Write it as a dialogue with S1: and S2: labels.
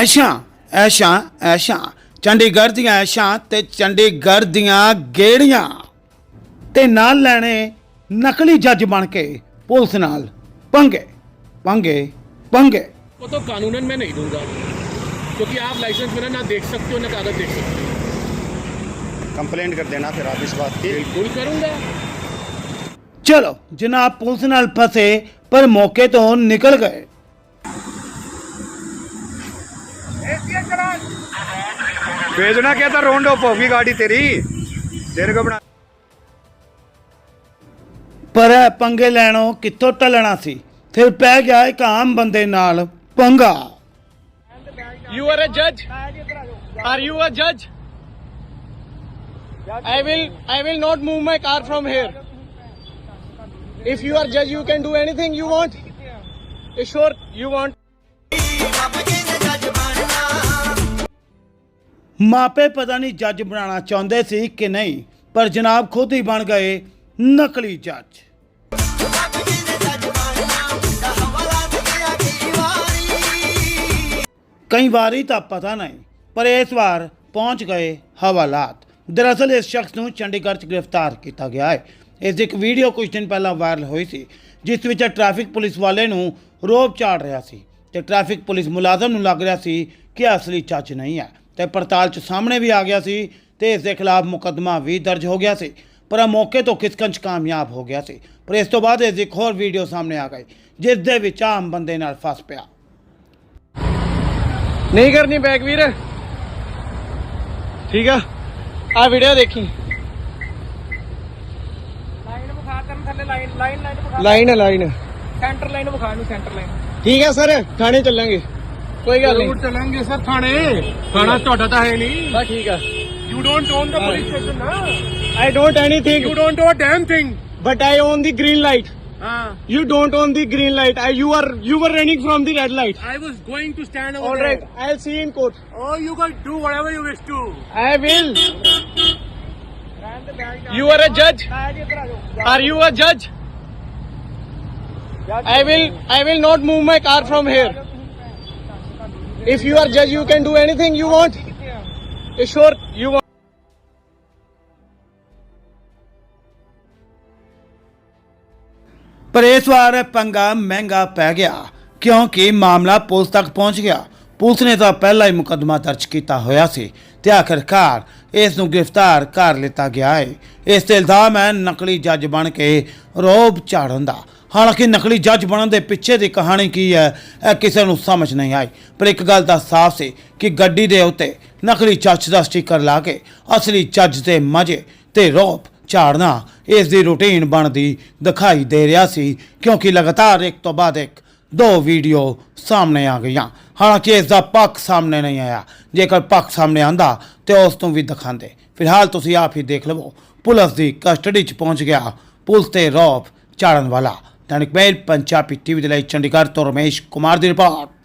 S1: ਐਸ਼ਾਂ ਐਸ਼ਾਂ ਐਸ਼ਾਂ ਚੰਡੀਗੜ੍ਹ ਦੀਆਂ ਐਸ਼ਾਂ ਤੇ ਚੰਡੀਗੜ੍ਹ ਦੀਆਂ ਗੇੜੀਆਂ ਤੇ ਨਾਲ ਲੈਣੇ नकली जज बन के पुलिस नाल पंगे पंगे पंगे।
S2: वो तो कानूनन मैं नहीं दूंगा क्योंकि आप लाइसेंस मेरा ना देख सकते हो ना कागज देख सकते हो।
S3: कंप्लेंट कर देना फिर आप इस बात की।
S2: बिल्कुल करूंगा।
S1: चलो जनाब पुलिस नाल फंसे पर मौके तो निकल गए।
S3: भेजना क्या था, रोड ऑफ होगी गाड़ी तेरी, तेरे को बना।
S1: पर पंगे लैणों कित्थों टलना सी, फिर पै गया एक आम बंदे नाल पंगा।
S2: You are a judge? Are you a judge? I will not move my car from here. If you are judge, you can do anything you want. Sure, you want.
S1: मापे पता नहीं जज बनाना चाहते सी कि नहीं, पर जनाब खुद ही बन गए नकली जज। कई बारी तो पता नहीं, पर इस बार पहुंच गए हवालात। दरअसल इस शख्स को चंडीगढ़ च गिरफ्तार किया गया है। इस एक वीडियो कुछ दिन पहला वायरल हुई सी, जिस विच ट्रैफिक पुलिस वाले नूं रोब झाड़ रहा सी ते ट्रैफिक पुलिस मुलाजम नूं लग रहा सी कि असली जज नहीं है ते पड़ताल च सामने भी आ गया सी ते इस दे खिलाफ मुकदमा भी दर्ज हो गया सी, पर मौके तो खिसकन कामयाब हो गया सी। पर इस तो बाद एक होर वीडियो सामने आ गई जिस दे विच आम बंदे नाल फस पिया।
S2: नहीं करनी बैग वीर, ठीक है। आ वीडियो देखी, लाइन है लाइन
S4: सेंटर लाइन विखा नु सेंटर लाइन।
S2: ठीक है सर, थाने चलेंगे, कोई गल नहीं।
S4: चलेंगे सर थाने, थाना ਤੁਹਾਡਾ ਤਾਂ ਹੈ ਨਹੀਂ।
S2: बस ठीक है।
S4: You don't own the police station ना।
S2: I don't anything.
S4: You don't own a damn thing।
S2: But I own the green light.
S4: हाँ।
S2: You don't own the green light. You were running from the red light.
S4: I was going to stand over
S2: All
S4: there।
S2: right, I'll see you in court.
S4: Oh, you can do whatever you wish to।
S2: I will. You are a judge? Are you a judge? I will not move my car from here. If you are judge, you can do anything you want. Sure, you want.
S1: पर इस बार पंगा महंगा पै गया क्योंकि मामला police तक पहुंच गया। पुलिस ने तो पहला ही मुकदमा दर्ज किया होया सी ते आखिरकार इस नूं गिरफ्तार कर लिता गया है। इस ते इल्जाम है नकली जज बन के रोब झाड़न दा। हालांकि नकली जज बनने के पिछे की कहानी की है यह किसी को समझ नहीं आई, पर एक गल तो साफ सी कि गड्डी के उत्ते नकली जज का स्टिकर ला के असली जज के मजे ते रोब झाड़ना इसकी रूटीन बनती दिखाई दे रहा सी, क्योंकि लगातार एक तो बाद एक दो वीडियो सामने आ गई। हालांकि इसका पक्ष सामने नहीं आया, जेकर पक्ष सामने आंदा तो उस तू भी दिखाते। फिलहाल तुसीं आप ही देख लवो, पुलिस की कस्टडी च पहुँच गया पुलिस ते रौब झाड़न वाला। दैनिक मेल पंजाबी टीवी के लिए चंडीगढ़ तो रमेश कुमार की रिपोर्ट।